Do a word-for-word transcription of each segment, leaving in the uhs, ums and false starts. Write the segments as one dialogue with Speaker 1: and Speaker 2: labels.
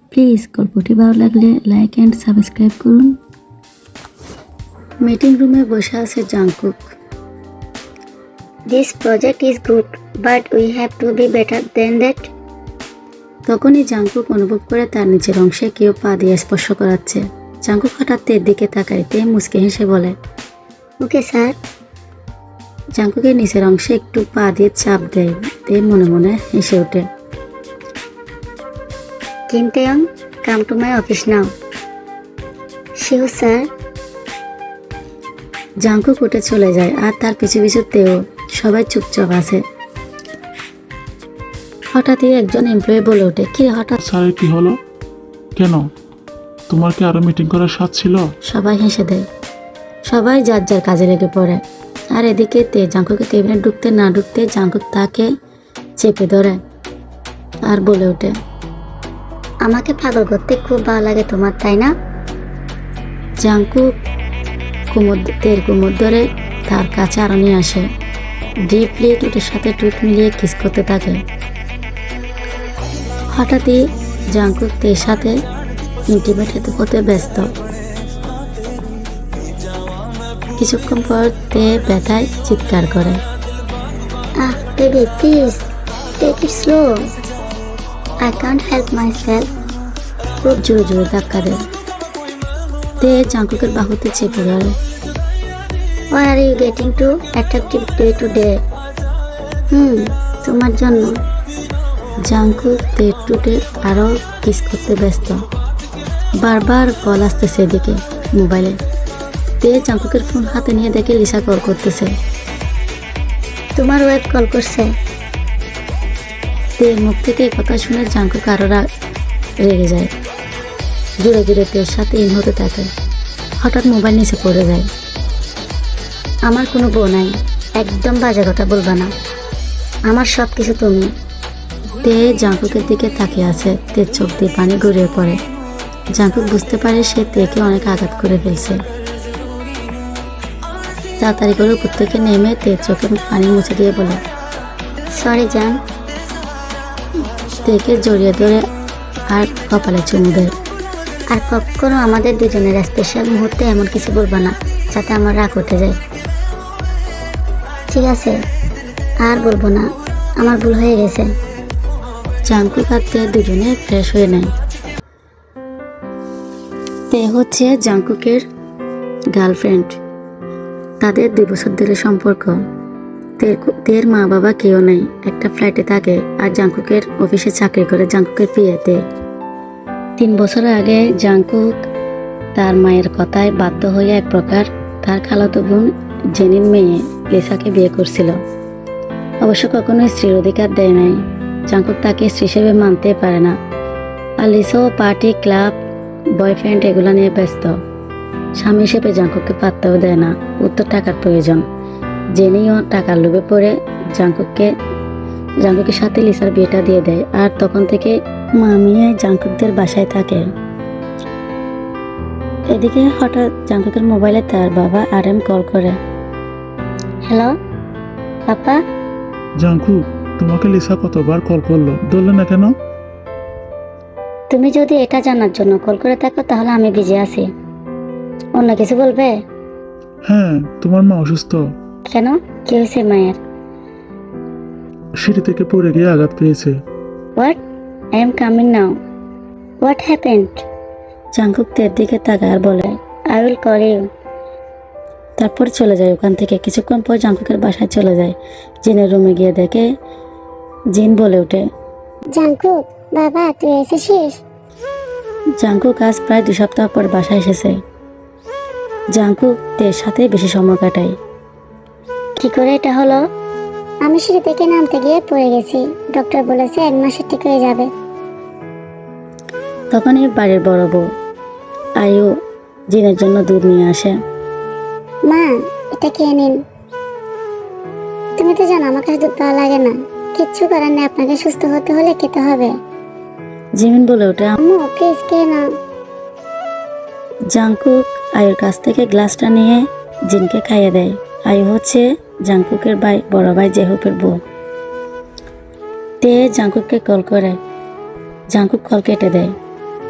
Speaker 1: Please গল্পটি ভালো লাগলে লাইক অ্যান্ড সাবস্ক্রাইব করুন। মিটিং রুমে বসে আছে Jungkook.
Speaker 2: This project is good, but we have to be better than that.
Speaker 1: তখনই জাংকুক অনুভব করে তার নিচের অংশে কেউ পা দিয়ে স্পর্শ করাচ্ছে। জাংকুক হঠাৎ তের দিকে তাকাইতে মুচকে হেসে বলে,
Speaker 2: Okay, sir.
Speaker 1: জাংকুকের নিচের অংশে একটু পা দিয়ে চাপ দেয়। তে মনে মনে হেসে ওঠে।
Speaker 2: Kim Taeyong, come to my office now. Sure, sir.
Speaker 1: Jungkook উঠে চলে যায় আর তার পিছু পিছু তেও। সবাই চুপচাপ আছে। হঠাৎই একজন এমপ্লয়ি বলে ওঠে, কি হঠাৎ?
Speaker 3: স্যারের কি হলো? কেন? তোমার কি আরো মিটিং করার স্বাদ ছিল?
Speaker 1: সবাই হেসে দেয়। সবাই যার যার কাজে লেগে পড়ে। আর এদিকে তে জাংকুকের কেবিনে ঢুকতে না ঢুকতে জাংকুক তাকে চেপে ধরে আর বলে ওঠে,
Speaker 2: আমাকে পাগল করতে খুব ভালো লাগে তোমার, তাই না?
Speaker 1: জাংকুক কুমোর তের কুমোর ধরে তার কাছে আরো নিয়ে আসে। ডিপলি টুটের সাথে টুট মিলিয়ে কিস করতে থাকে। হঠাৎই জাংকুক তের সাথে ইন্টিমেট হতে হতে ব্যস্ত। কিছুক্ষণ পর তে ব্যথায় চিৎকার করে,
Speaker 2: Ah, baby, please, take it slow. I can't help myself.
Speaker 1: খুব জোরে জোরে ধাক্কা দেয়। তে জাংকুকের বাহুতে চেপে ধরে।
Speaker 2: Why are you getting too attractive day to day? হুম তোমার জন্য।
Speaker 1: জাংকুক তে টুটে আরো কিস করতে ব্যস্ত। বারবার কল আসতেছে এদিকে মোবাইলে। তে জাংকুকের ফোন হাতে নিয়ে দেখে লিসা কল করতেছে।
Speaker 2: তোমার ওয়েব কল করছে।
Speaker 1: তের মুখ থেকে এই কথা শুনে জাংকুক আরো রা- রেগে যায়। জোরে জোরে তের সাথে ইন হতে থাকে। হঠাৎ মোবাইল নিচে পড়ে যায়।
Speaker 2: আমার কোনো বউ নাই, একদম বাজে কথা বলবা না। আমার সব কিছু তুমি।
Speaker 1: তে জাংকুকের দিকে তাকিয়ে আছে। তের চোখ দিয়ে পানি গড়িয়ে পড়ে। জাংকুক বুঝতে পারে সে তেকে অনেক আঘাত করে ফেলছে। তাড়াতাড়ি করে উপর থেকে নেমে তের চোখে পানি মুছে দিয়ে বলে,
Speaker 2: সরি জান।
Speaker 1: তেকে জড়িয়ে ধরে আর কপালে চুমু দেয়।
Speaker 2: আর কখনো আমাদের দুজনের স্পেশাল মুহূর্তে এমন কিছু বলবা না যাতে আমার রাগ উঠে যায়। ঠিক আছে, আর বলবো না, আমার ভুল হয়ে গেছে।
Speaker 1: জাংকুক আর তে দুজনে ফ্রেশ হয়ে নেয়। তে হচ্ছে জাংকুকের গার্লফ্রেন্ড। তাদের দুই বছর ধরে সম্পর্ক। তের তের মা বাবা কেউ নেই, একটা ফ্ল্যাটে থাকে আর জাংকুকের অফিসে চাকরি করে জাংকুকের বিয়েতে। তিন বছর আগে জাংকুক তার মায়ের কথায় বাধ্য হয়ে এক প্রকার তার খালাতো বোন জেনির মেয়ে লিসাকে বিয়ে করছিল। অবশ্য কখনোই স্ত্রীর অধিকার দেয় নাই। জাংকুক তাকে স্ত্রী হিসেবে মানতে পারে না। আর লিসাও পার্টি, ক্লাব, বয়ফ্রেন্ড এগুলো নিয়ে ব্যস্ত। স্বামী হিসেবে জাংকুককে পাত্তাও দেয় না। উত্তর টাকার প্রয়োজন। জেনিও টাকার লোভে পড়ে জাংকুককে জাংকুকের সাথে লিসার বিয়েটা দিয়ে দেয়। আর তখন থেকে মামিয়ে জাংকুকদের বাসায় থাকে। এদিকে হঠাৎ জাংকুকের মোবাইলে তার বাবা আর এম কল করে।
Speaker 2: Hello papa.
Speaker 3: জাংকুক, তোমাকে লিসা কতবার কল করলো, ধরলে না কেন?
Speaker 2: তুমি যদি এটা জানার জন্য কল করে থাকো তাহলে আমি বিজি আছি। অন্য কিছু বলবে?
Speaker 3: হ্যাঁ, তোমার মা অসুস্থ।
Speaker 2: কেন, কি হয়েছে মায়ের?
Speaker 3: সিঁড়ি থেকে পড়ে গিয়ে আঘাত পেয়েছে।
Speaker 2: What? I am coming now. What happened?
Speaker 1: Jungkook তের দিকে তাকায় আর বলে,
Speaker 2: আই উইল কল ইউ।
Speaker 1: তারপর চলে যায় ওখান থেকে। কিছুক্ষণ পর জাংকুকের বাসায় চলে যায়। জিনের রুমে গিয়ে দেখে জিন বলে ওঠে,
Speaker 2: জাংকুক বাবা তুই এসেছিস?
Speaker 1: জাংকুক আজ প্রায় দু সপ্তাহ পর বাসায় এসেছে। জাংকুক তের সাথে বেশি সময় কাটায়।
Speaker 2: কি করে এটা হলো? আমি সিঁড়ি থেকে নামতে গিয়ে পড়ে গেছি। ডক্টর বলেছে এক মাসে ঠিক হয়ে যাবে।
Speaker 1: তখনই বাড়ির বড় বউ আয়ু জিনের জন্য দুধ নিয়ে আসে।
Speaker 2: মা এটা খেয়ে নিন। তুমি তো জানো আমার কাছে দুধ পাওয়া লাগে না। কিচ্ছু করার নেই, আপনাকে সুস্থ হতে হলে খেতে হবে।
Speaker 1: জিমিন বলে ওঠে।
Speaker 2: আম্মু প্লিজ খেয়ে নাও।
Speaker 1: জাংকুক আয়ুর কাছ থেকে গ্লাসটা নিয়ে জিনকে খাইয়ে দেয়। আয়ু হচ্ছে জাংকুকের ভাই, বড় ভাই জেহুপের বউ। তে জাংকুককে কল করে। জাংকুক কল কেটে দেয়।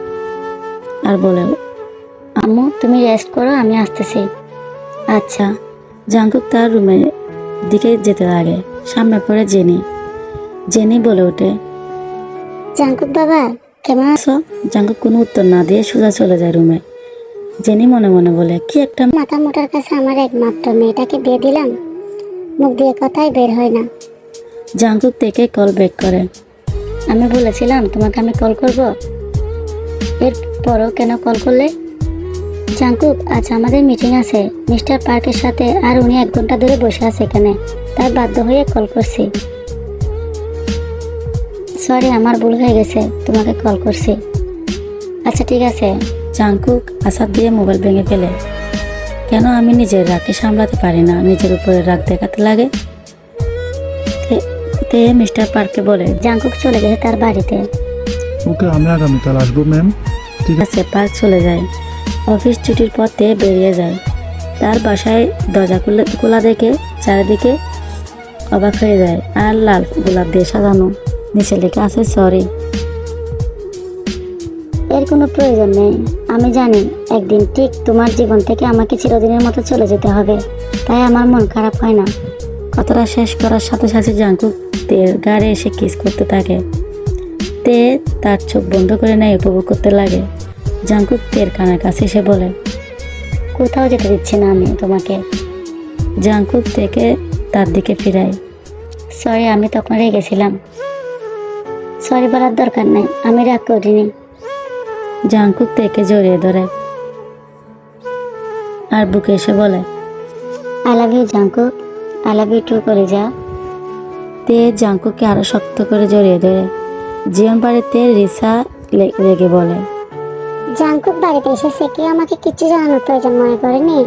Speaker 1: আর বলে, আম্মু তুমি রেস্ট করো, আমি আসতেছি। আচ্ছা। জাঙ্কুক তার রুমের দিকে যেতে লাগে। সামনে পড়ে জেনি। জেনি বলে ওঠে,
Speaker 2: জাঙ্কুক বাবা কেমন আছো?
Speaker 1: সো জাঙ্কুক কোনো উত্তর না দিয়ে সোজা চলে যায় রুমে। জেনি মনে মনে বলে, কি একটা
Speaker 2: মাথা মোটার কাছে আমার একমাত্র মেয়েটাকে বিয়ে দিলাম, মুখ দিয়ে কথাই বের হয় না।
Speaker 1: জাঙ্কুক থেকে কল ব্যাক করে। আমি বলেছিলাম তোমাকে আমি কল করব, এরপরও কেন কল করলে? জাঙ্কুক, আজ আমাদের মিটিং আছে মিস্টার পার্কের সাথে, আর উনি এক ঘন্টা ধরে বসে আছে এখানে, তাই বাধ্য হয়ে কল করছি। সরি, আমার ভুল হয়ে গেছে, তোমাকে কল করছি। আচ্ছা ঠিক আছে। জাঙ্কুক আসাদ দিয়ে মোবাইল ভেঙে ফেলে। কেন আমি নিজের রাগকে সামলাতে পারি না, নিজের উপরে রাগ দেখাতে লাগে। তে- তে মিস্টার পার্ককে বলে, জাঙ্কুক চলে গেছে তার বাড়িতে।
Speaker 3: ওকে, আমি আগামীকাল আসবো ম্যাম। ঠিক আছে।
Speaker 1: আছে পার্ক চলে যায়। অফিস ছুটির পর তে বেরিয়ে যায়। তার বাসায় দরজা খুলে খোলা দেখে চারিদিকে অবাক হয়ে যায়। আর লাল গোলাপ দিয়ে সাজানো, নিচে লেখা আছে সরি। এর কোনো প্রয়োজন নেই। আমি জানি একদিন ঠিক তোমার জীবন থেকে আমাকে চিরদিনের মতো চলে যেতে হবে, তাই আমার মন খারাপ হয় না। কথাটা শেষ করার সাথে সাথে জাঙ্কুক তের গাড়ি এসে কিস করতে থাকে। তে তার চোখ বন্ধ করে নেয়, উপভোগ করতে লাগে। জাঙ্কুক তের কানের কাছে এসে বলে, কোথাও যেতে দিচ্ছি না আমি তোমাকে। জাঙ্কুক থেকে তার দিকে ফিরায়। সরি, আমি তখন রেগেছিলাম। সরি বলার দরকার নাই, আমি রাগ করিনি। জাঙ্কুক থেকে জড়িয়ে ধরে আর বুকে এসে বলে, I love you Jungkook, I love you too করে যা। তে জাঙ্কুককে আরো শক্ত করে জড়িয়ে ধরে। জীবন বাড়িতে রিসা লে- রেগে বলে,
Speaker 2: জাঙ্কুক বাড়িতে এসেছে, কেউ আমাকে কিছু জানানোর প্রয়োজন মনে করেনি।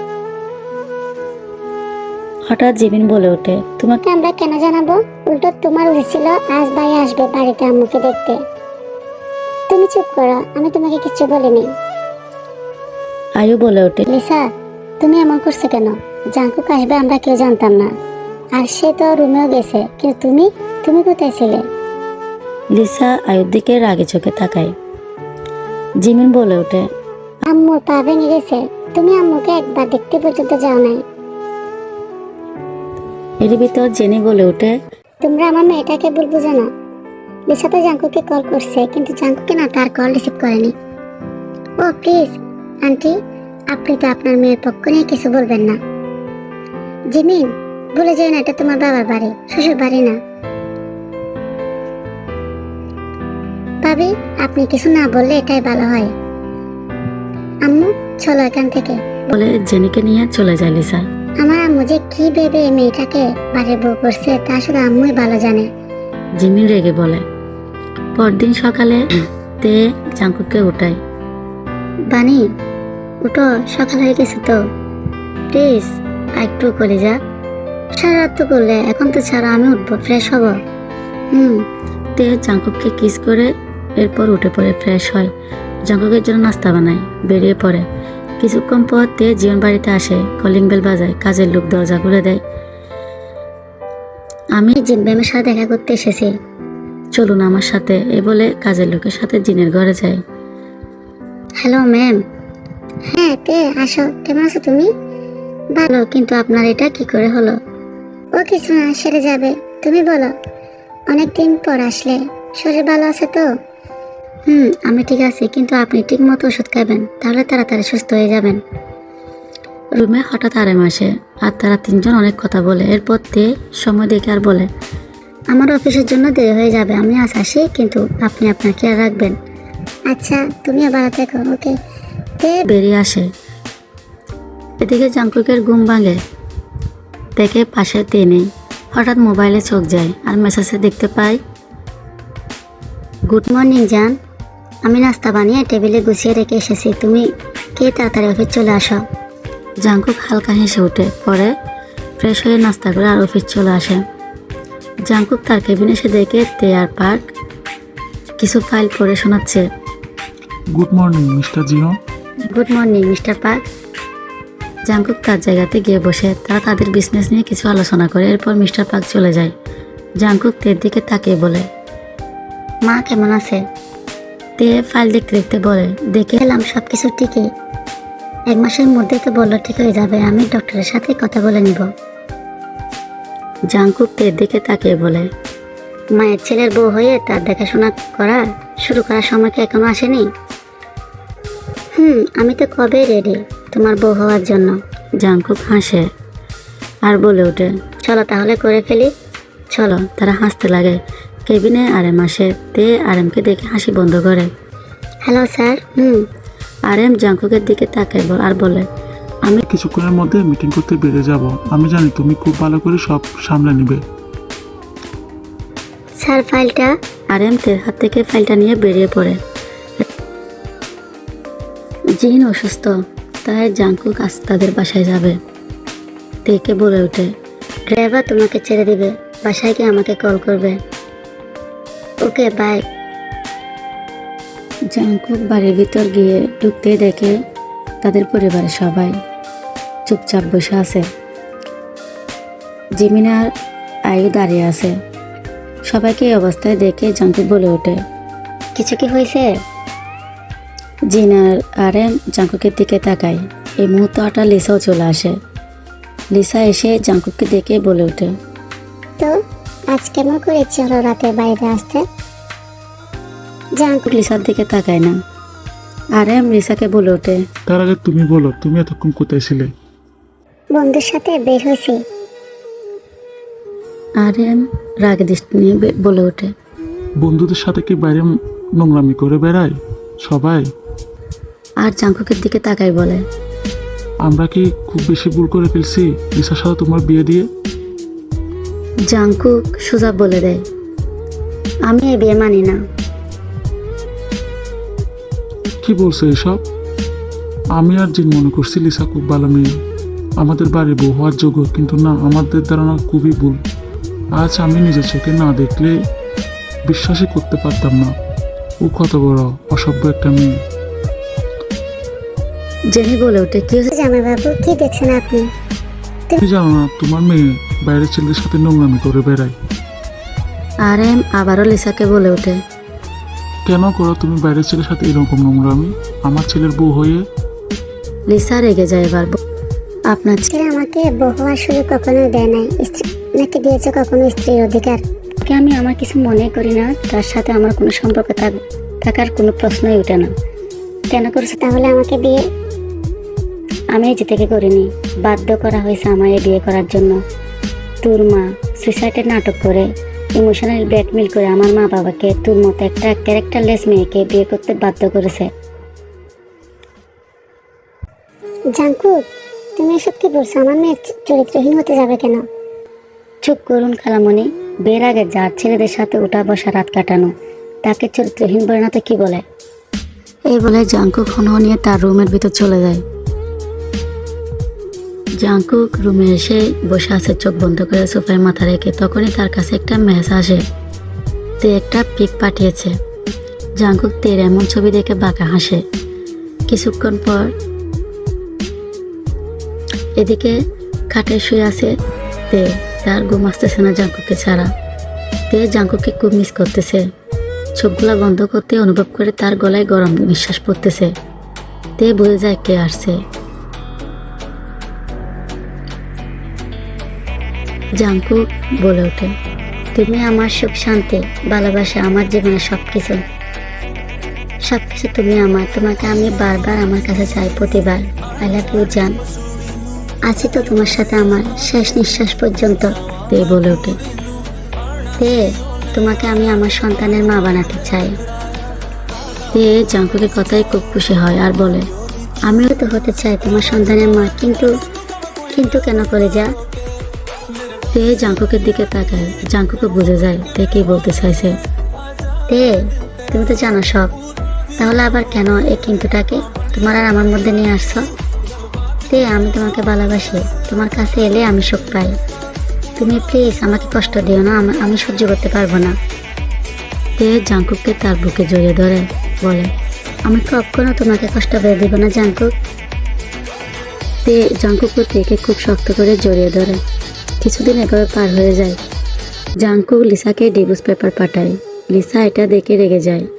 Speaker 1: হঠাৎ জিমিন বলে ওঠে, তোমাকে
Speaker 2: ওকে আমরা কেন জানাবো? উল্টো তোমার উচিত ছিল আজ ভাই আসবে বাড়িতে আম্মুকে দেখতে। তুমি চুপ করো, আমি তোমাকে কিছু বলিনি।
Speaker 1: আয়ু বলে ওঠে,
Speaker 2: লিসা, তুমি এমন করছো কেন? জাঙ্কুক আসবে আমরা কেউ জানতাম না, আর সে তো রুমেও গেছে, কিন্তু তুমি তুমি কোথায় ছিলে?
Speaker 1: লিসা আয়ুর দিকে রাগে চোখে তাকায়। জিমিন বলে ওঠে,
Speaker 2: আম্মুর পা ভেঙে গেছে, তুমি আম্মুকে একবার দেখতে পর্যন্ত যাও নাই।
Speaker 1: এর ভিতর জেনি বলে ওঠে,
Speaker 2: তোমরা আমার মেয়েটাকে ভুল বুঝো না। লিসা তো জাঙ্কুকে কল করছে, কিন্তু জাঙ্কুকে না তার কল রিসিভ করেনি। ও প্লিজ আন্টি, আপনি তো আপনার মেয়ের পক্ষ নিয়ে কিছু বলবেন না। জিমিন, ভুলে যেও না এটা তোমার বাবার বাড়ি, শ্বশুর বাড়ি না। ভাবি, আপনি কিছু না বললে এটাই ভালো হয়। আম্মু চলো এখান থেকে।
Speaker 1: বলে জেনিকে নিয়ে চলে যায় লিসা।
Speaker 2: আমার আম্মু যে কি ভেবে এই মেয়েটাকে বাড়ির বউ করছে তা শুধু আম্মুই ভালো জানে।
Speaker 1: জিমিন রেগে বলে। পরদিন সকালে তে জাঙ্কুককে উঠায়। বানি, উঠো, সকাল হয়ে গেছে তো, প্লিজ একটু করে যা। সারা রাত তো করলে, এখন তো ছাড়া, আমি উঠবো, ফ্রেশ হব। হুম। তে জাঙ্কুককে কিস করে এরপর উঠে পড়ে ফ্রেশ হয়। জাঙ্কুকের জন্য নাস্তা বানায়, বেরিয়ে পড়ে। কিছুক্ষণ পর তে জীবন বাড়িতে আসে, কলিং বেল বাজায়। কাজের লোক দরজা খুলে দেয়। আমি জিন ম্যামের সাথে দেখা করতে এসেছি, চলুন আমার সাথে, এ বলে কাজের লোকের সাথে জিনের ঘরে যায়। Hello ma'am.
Speaker 2: হ্যাঁ তে আসো, কেমন আছো তুমি?
Speaker 1: ভালো, কিন্তু আপনার এটা কি করে হলো?
Speaker 2: ও কিছু না, সেরে যাবে। তুমি বলো, অনেকদিন পর আসলে, শরীর ভালো আছে তো?
Speaker 1: হুম, আমি ঠিক আছি, কিন্তু আপনি ঠিক মতো ওষুধ খাবেন, তাহলে তাড়াতাড়ি সুস্থ হয়ে যাবেন। রুমে হঠাৎ আরেম আসে, আর তারা তিনজন অনেক কথা বলে। এরপর তে সময় দেখে আর বলে, আমার অফিসের জন্য দেরি হয়ে যাবে, আমি আজ আসি, কিন্তু আপনি আপনার খেয়াল রাখবেন।
Speaker 2: আচ্ছা, তুমিও ভালো থেকো। ওকে। তে
Speaker 1: বেরিয়ে আসে। এদিকে জাঙ্কুকের ঘুম ভাঙে, দেখে পাশে তে নেই। হঠাৎ মোবাইলে চোখ যায় আর মেসেজে দেখতে পাই, গুড মর্নিং জান, আমি নাস্তা বানিয়ে টেবিলে গুছিয়ে রেখে এসেছি, তুমি কে তাড়াতাড়ি অফিস চলে আসো। জাঙ্কুক হালকা হেসে ওঠে, পরে ফ্রেশ হয়ে নাস্তা করে আর অফিস চলে আসে। জাঙ্কুক তার কেবিনে এসে দেখে তে আর পার্ক কিছু ফাইল পড়ে শোনাচ্ছে।
Speaker 3: Good morning mister Jio.
Speaker 1: Good morning mister Park. Jungkook তার জায়গাতে গিয়ে বসে, তারা তাদের বিজনেস নিয়ে কিছু আলোচনা করে। এরপর মিস্টার পার্ক চলে যায়। জাঙ্কুক তের দিকে তাকিয়ে বলে, মা কেমন আছে? তে ফাইল দেখতে দেখতে বলে, দেখে
Speaker 2: এলাম সব কিছু ঠিকই, এক মাসের মধ্যে তো বললো ঠিক হয়ে যাবে, আমি ডক্টরের সাথে কথা বলে নিব।
Speaker 1: জাংকুক তের দিকে তাকিয়ে বলে,
Speaker 2: মায়ের ছেলের বউ হয়ে তার দেখাশোনা করা শুরু করার সময় কি এখনো আসেনি? হুম আমি তো কবে রেডি তোমার বউ হওয়ার জন্য।
Speaker 1: জাংকুক হাসে আর বলে ওঠে,
Speaker 2: চলো তাহলে করে ফেলি।
Speaker 1: চলো। তারা হাসতে লাগে। কেবিনে আরেম আসে। তে আরেমকে দেখে হাসি বন্ধ করে।
Speaker 2: Hello sir. হুম
Speaker 1: আরেম জাংকুকের দিকে তাকায় ব- আর বলে, আমি
Speaker 3: কিছুক্ষণের মধ্যে মিটিং করতে বেরিয়ে যাব। আমি জানি তুমি খুব ভালো করে সব সামলে নিবে।
Speaker 2: স্যার ফাইলটা।
Speaker 1: আরেম তের হাত থেকে ফাইলটা নিয়ে বেরিয়ে পড়ে। জিন অসুস্থ, তাই জাংকুক আজ তাদের বাসায় যাবে। তেকে বলে ওঠে,
Speaker 2: ড্রাইভার তোমাকে ছেড়ে দিবে, বাসায় গিয়ে আমাকে কল করবে। Okay bye.
Speaker 1: জাংকুক বাড়ির ভিতর গিয়ে ঢুকতে দেখে তাদের পরিবারের সবাই চুপচাপ বসে আছে। জিমিনার আয়ু দাঁড়িয়ে আছে। সবাইকে এই অবস্থায় দেখে জাংকুক বলে ওঠে,
Speaker 2: কিছু কি হয়েছে?
Speaker 1: জিনার আরেম জাংকুকের দিকে তাকায়। এই মুহূর্তে হঠাৎ লিসাও চলে আসে। লিসা এসে জাংকুককে দেখে বলে ওঠে,
Speaker 2: তো আজ কেমন করে ইচ্ছে হলো রাতে বাইরে আসতে? জাঙ্কুক
Speaker 1: জাংকুক লিসার দিকে তাকায় না। আরেম লিসাকে বলে ওঠে,
Speaker 3: তার আগে তুমি বলো, তুমি এতক্ষণ কোথায় ছিলে?
Speaker 2: বন্ধুর সাথে বের হয়েছি।
Speaker 1: আরেম রাগে দৃষ্টি নিয়ে বে- বলে ওঠে,
Speaker 3: বন্ধুদের সাথে কি বাইরে নোংরামি করে বেড়ায় সবাই?
Speaker 1: আর জাংকুকের দিকে তাকাই বলে,
Speaker 3: আমরা কি খুব বেশি ভুল করে ফেলছি লিসার সাথে তোমার বিয়ে দিয়ে?
Speaker 1: জাংকুক সোজা বলে দেয়,
Speaker 2: আমি এই বিয়ে মানি না।
Speaker 3: কি বলছো এসব? আমি আর জিন মনে করছি লিসা খুব ভালো মেয়ে, আমাদের বাড়ির বউ হওয়ার যোগ্য, কিন্তু না, আমাদের ধারণা খুবই ভুল। আজ আমি নিজের চোখে না দেখলে বিশ্বাসই করতে পারতাম না ও কত বড় অসভ্য একটা মেয়ে।
Speaker 1: জেনি বলে ওঠে, কি হয়েছে?
Speaker 2: জামাই বাবু কি দেখছেন আপনি?
Speaker 3: তুমি জানো না তোমার মেয়ে বাইরের ছেলেদের সাথে নোংরামি করে বেড়ায়?
Speaker 1: আরেম আবারও লিসাকে বলে ওঠে,
Speaker 3: কেন করো তুমি বাইরের ছেলের সাথে এরকম নোংরামি আমার ছেলের বউ হয়ে?
Speaker 1: লিসা রেগে যায় এবার। ব- আপনার
Speaker 2: ছেলে আমাকে বউ হওয়ার সুযোগ কখনো দেয় নাই, স্ত্রী নাকি দিয়েছে কখনো স্ত্রীর অধিকার?
Speaker 1: ছেলেকে আমি আমার কিছু মনে করি না, তার সাথে আমার কোনো সম্পর্ক থাক- থাকার কোনো প্রশ্নই ওঠে না।
Speaker 2: কেন করছে তাহলে আমাকে বিয়ে?
Speaker 1: আমি নিজে থেকে করিনি, বাধ্য করা হয়েছে আমায় এই বিয়ে করার জন্য। তোর মা সুইসাইডের নাটক করে, ইমোশনাল ব্ল্যাকমেল করে আমার মা বাবাকে তোর মতো একটা ক্যারেক্টারলেস মেয়েকে বিয়ে করতে বাধ্য করেছে।
Speaker 2: জাঙ্কুক তুমি এসব কি বলছো? আমার মেয়ে চ- চরিত্রহীন হতে যাবে কেন?
Speaker 1: চুপ করুন খালামণি। বিয়ের আগে যার ছেলেদের সাথে উঠা বসা রাত কাটানো, তাকে চরিত্রহীন বলে না তো কি বলে? এই বলে জাংকুক হন নিয়ে তার রুমের ভিতর চলে যায়। জাংকুক রুমে এসে বসে আছে চোখ বন্ধ করে সোফায় মাথা রেখে। তখনই তার কাছে একটা মেসেজ আসে। তে একটা পিক পাঠিয়েছে। জাংকুক তের এমন ছবি দেখে বাঁকা হাসে। কিছুক্ষণ পর এদিকে খাটে শুয়ে আছে তে। তার ঘুম আসতেছে না জাংকুককে ছাড়া। তে জাংকুককে খুব মিস করতেছে। চোখগুলা বন্ধ করতে অনুভব করে তার গলায় গরম নিঃশ্বাস পড়তেছে। তে বুঝে যায় কে আসছে। জাংকুক বলে ওঠে,
Speaker 2: তুমি আমার সুখ শান্তি ভালোবাসা, আমার জীবনের সবকিছু সবকিছু তুমি আমার। তোমাকে আমি বারবার আমার কাছে চাই, প্রতিবার। আই লাভ ইউ জান। আছি তো তোমার সাথে আমার শেষ নিঃশ্বাস পর্যন্ত।
Speaker 1: তে বলে ওঠে,
Speaker 2: তে তোমাকে আমি আমার সন্তানের মা বানাতে চাই।
Speaker 1: তে জাংকুকের কথায় খুব খুশি হয় আর বলে,
Speaker 2: আমিও তো হতে চাই তোমার সন্তানের মা, কিন্তু কিন্তু কেন করে যা?
Speaker 1: তে জাংকুকের দিকে তাকায়। জাংকুকে বুঝে যায় তে কি বলতে চাইছে।
Speaker 2: তে তুমি তো জানো সব, তাহলে আবার কেন এই কিন্তুটাকে তোমার আর আমার মধ্যে নিয়ে আসছো? তে আমি তোমাকে ভালোবাসি, তোমার কাছে এলে আমি সুখ পাই। তুমি প্লিজ আমাকে কষ্ট দিও না, আম- আমি সহ্য করতে পারবো না।
Speaker 1: তে জাংকুককে তার বুকে জড়িয়ে ধরে বলে,
Speaker 2: আমি কখনো তোমাকে কষ্ট পেয়ে দিব না জাঙ্কুক।
Speaker 1: তে জাংকুকও তেকে খুব শক্ত করে জড়িয়ে ধরে। কিছুদিন এভাবে পার হয়ে যায়। জাংকুক লিসাকে ডিভোর্স পেপার পাঠায়। লিসা এটা দেখে রেগে যায়।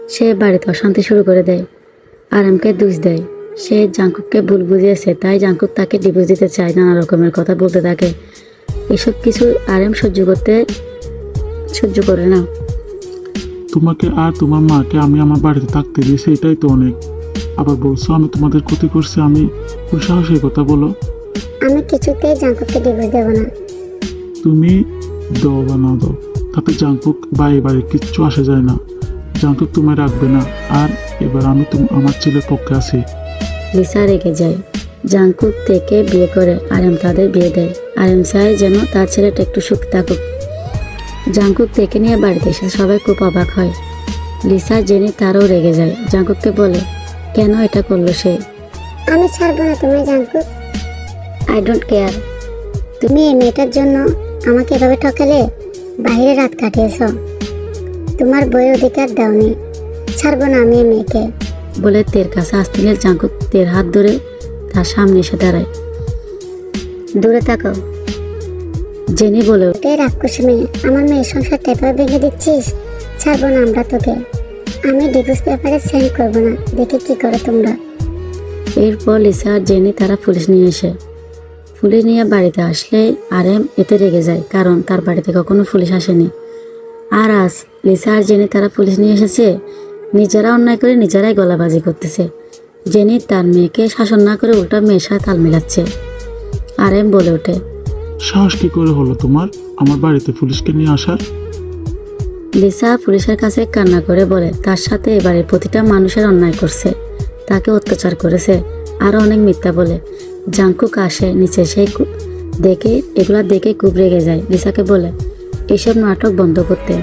Speaker 1: সে বাড়িতে অশান্তি শুরু করে দেয়। আরামকে দোষ দেয়, সে জাংকুককে ভুল বুঝিয়েছে, তাই জাংকুক তাকে ডিভোর্স দিতে চায়, নানা রকমের কথা বলতে থাকে। এসব কিছু আরাম সহ্য করতে সহ্য করে না।
Speaker 3: তোমাকে আর তোমার মাকে আমি আমার বাড়িতে থাকতে দিয়েছি, এটাই তো অনেক। আবার বলছো আমি তোমাদের ক্ষতি করছি, আমি কোন সাহসের কথা বলো?
Speaker 2: আমি কিছুতেই জাঙ্কুককে ডিভোর্স দেব না।
Speaker 3: তুমি দাও বা না দাও, তাতে জাংকুক বা এ বাড়ির কিচ্ছু আসে যায় না। জাংকুক তোমায় রাখবে না, আর এবার আমি তুমি আমার ছেলের পক্ষে আছি।
Speaker 1: লিসা রেগে যায়। জাংকুক থেকে বিয়ে করে আরেম তাদের বিয়ে দেয়। আরেম চায় যেন তার ছেলেটা একটু সুখ থাকুক। জাংকুক থেকে নিয়ে বাড়িতে এসে সবাই খুব অবাক হয়। লিসা জেনে তারও রেগে যায়, জাংকুককে বলে কেন এটা করলো সে।
Speaker 2: আমি ছাড়বো না তুমি জাঙ্কুক।
Speaker 1: I don't care.
Speaker 2: তুমি এই মেয়েটার জন্য আমাকে এভাবে ঠকালে, বাইরে রাত কাটিয়েছ, তোমার বইয়ের অধিকার দাওনি। ছাড়বো না আমি এই মেয়েকে।
Speaker 1: বলে তের কাছে আসতে গেলে জাংকুক তের হাত ধরে তার সামনে এসে দাঁড়ায়। দূরে তাকাও, জেনি বলে ওঠে।
Speaker 2: এটাই রাক্ষস মেয়ে, আমার মেয়ের সংসারটা এভাবে ভেঙে দিচ্ছিস। ছাড়বো না আমরা তোকে। আমি ডিভোর্স পেপারে সেন্ড করবো না, দেখি কি করে তোমরা।
Speaker 1: এরপর লিসা আর জেনি তারা পুলিশ নিয়ে এসে পুলিশ নিয়ে বাড়িতে আসলে আরেম এতে রেগে যায়, কারণ তার বাড়িতে কখনো পুলিশ আসেনি। আর আজ লিসা আর জেনি তারা পুলিশ নিয়ে এসেছে, নিজেরা অন্যায় করে নিজেরাই গলাবাজি করতেছে। জেনি তার মেয়েকে শাসন না করে উল্টা মেয়ের সাথে তাল মিলাচ্ছে। আরেম বলে ওঠে,
Speaker 3: সাহস কি করে হলো তোমার আমার বাড়িতে পুলিশকে নিয়ে আসার?
Speaker 1: লিসা পুলিশের কাছে কান্না করে বলে তার সাথে এবারে প্রতিটা মানুষের অন্যায় করছে, তাকে অত্যাচার করেছে, আরো অনেক মিথ্যা বলে। জাংকুক আসে নিচে, সেই কু- দেখে এগুলা দেখে খুব রেগে যায়। লিসাকে বলে এইসব নাটক বন্ধ করতে।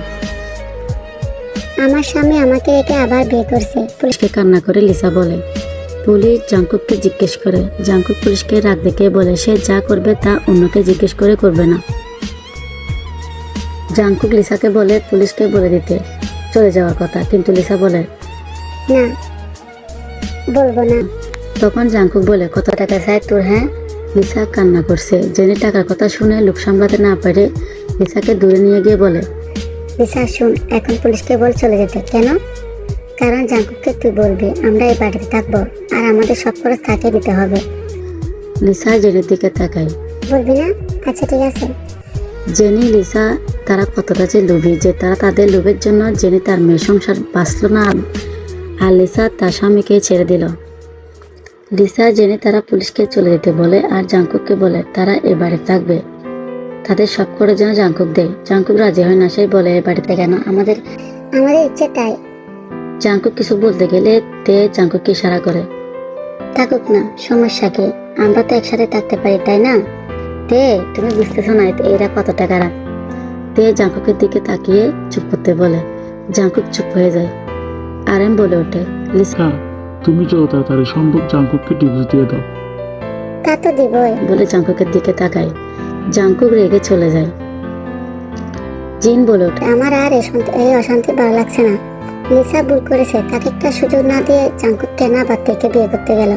Speaker 2: আমার স্বামী আমাকে রেখে আবার বিয়ে করছে।
Speaker 1: পুলিশকে কান্না করে লিসা বলে। পুলিশ জাংকুককে জিজ্ঞেস করে, জাংকুক পুলিশকে রাগ দেখে বলে সে যা করবে তা অন্যকে জিজ্ঞেস করে করবে না। জাংকুক লিসাকে বলে পুলিশকে বলে দিতে চলে যাওয়ার কথা, কিন্তু লিসা বলে
Speaker 2: না, বলবো না।
Speaker 1: তখন জাংকুক বলে কত টাকা চাই তোর? হ্যাঁ। লিসা কান্না করছে। জেনে টাকার কথা শুনে লোক সামলাতে না পারে লিসাকে দূরে নিয়ে গিয়ে বলে,
Speaker 2: লিসা শুন, এখন পুলিশকে বল চলে যেতে। কেন? কারণ জাঙ্কুককে তুই বলবি আমরা এই বাড়িতে থাকবো, আর আমাদের সব খরচ তাকে দিতে হবে।
Speaker 1: লিসা জেনের দিকে তাকায়।
Speaker 2: বলবি না? আচ্ছা ঠিক আছে।
Speaker 1: জেনি লিসা তারা কতটা যে লোভী যে তারা তাদের লোভের জন্য জেনি তার মেয়ের সংসার বাঁচল না, আর লিসা তার স্বামীকে ছেড়ে দিল। লিসা জেনে তারা পুলিশকে চলে যেতে বলে আর জাংকুককে বলে তারা এ বাড়ি থাকবে, তাদের সব করে যেন জাংকুক দেয়। জাংকুক রাজি হয় না, সেই বলে এ বাড়িতে কেন, আমাদের
Speaker 2: আমাদের ইচ্ছে তাই।
Speaker 1: জাংকুক কিছু বলতে গেলে তে জাংকুককে ইশারা করে।
Speaker 2: থাকুক না, সমস্যা কি? আমরা তো একসাথে থাকতে পারি, তাই না?
Speaker 1: তে তুমি বুঝতেছো না এরা কত টাকা রাখ। তে জাংকুকের দিকে তাকিয়ে চুপ করতে বলে। জাংকুক চুপ হয়ে যায়। আরেম বলে ওঠে, লিসা
Speaker 3: হ্যাঁ, তুমি যত তাড়াতাড়ি সম্ভব জাংকুককে ডিভোর্স দিয়ে দাও।
Speaker 2: তা তো দিবই।
Speaker 1: বলে জাংকুকের দিকে তাকায়। জাংকুক রেগে চলে যায়। জিন বলে ওঠে,
Speaker 2: আমার আর এই শান্তি- এই অশান্তি ভালো লাগছে না। লিসা ভুল করেছে, তাকে একটা সুযোগ না দিয়ে জাঙ্কুককে না বাদ থেকে বিয়ে করতে গেল।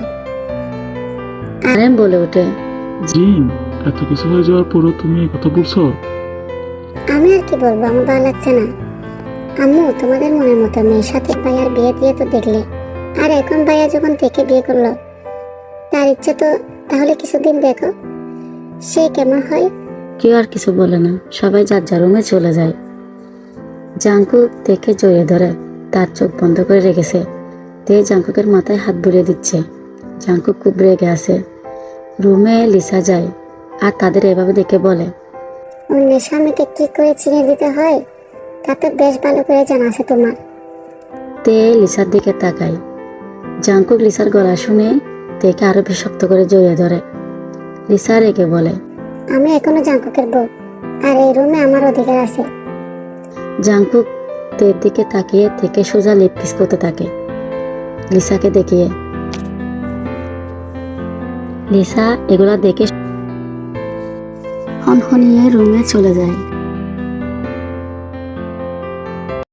Speaker 1: আরেম বলে ওঠে,
Speaker 3: জিন, এত কিছু হয়ে যাওয়ার পরও তুমি এই কথা বলছো?
Speaker 2: আমি আর কি বলবো, আমার ভালো লাগছে না। আম্মু, তোমাদের মনের মতো মেয়ের সাথে ভাইয়ার বিয়ে দিয়ে তো দেখলে, আর এখন ভাইয়া যখন থেকে বিয়ে করলো, তার ইচ্ছে তো তাহলে কিছুদিন দেখো সে কেমন হয়।
Speaker 1: কেউ আর কিছু বলে না, সবাই যার যার রুমে চলে যায়। জাংকুক দেখে জড়িয়ে ধরে, তার চোখ বন্ধ করে রেখেছে। তে জাংকুকের মাথায় হাত বুলিয়ে দিচ্ছে। জাংকুক খুব রেগে আছে। রুমে লিসা যায় আর তাদের এভাবে দেখে বলে,
Speaker 2: অন্যের স্বামীকে কি করে চিনে দিতে হয় তা তো বেশ ভালো করে জানা আছে তোমার।
Speaker 1: তে লিসার দিকে তাকায়। জাংকুক লিসার গলা শুনে তেকে আরো বেশ শক্ত করে জড়িয়ে ধরে। লিসা রেগে বলে,
Speaker 2: আমি এখনো জাঙ্কুকের বউ, আর এই রুমে আমার অধিকার আছে।
Speaker 1: জাংকুক তের দিকে তাকিয়ে থেকে সোজা লিপ কিস করতে থাকে লিসাকে দেখিয়ে। লিসা এগুলা দেখে হনহনিয়ে রুমে চলে যায়।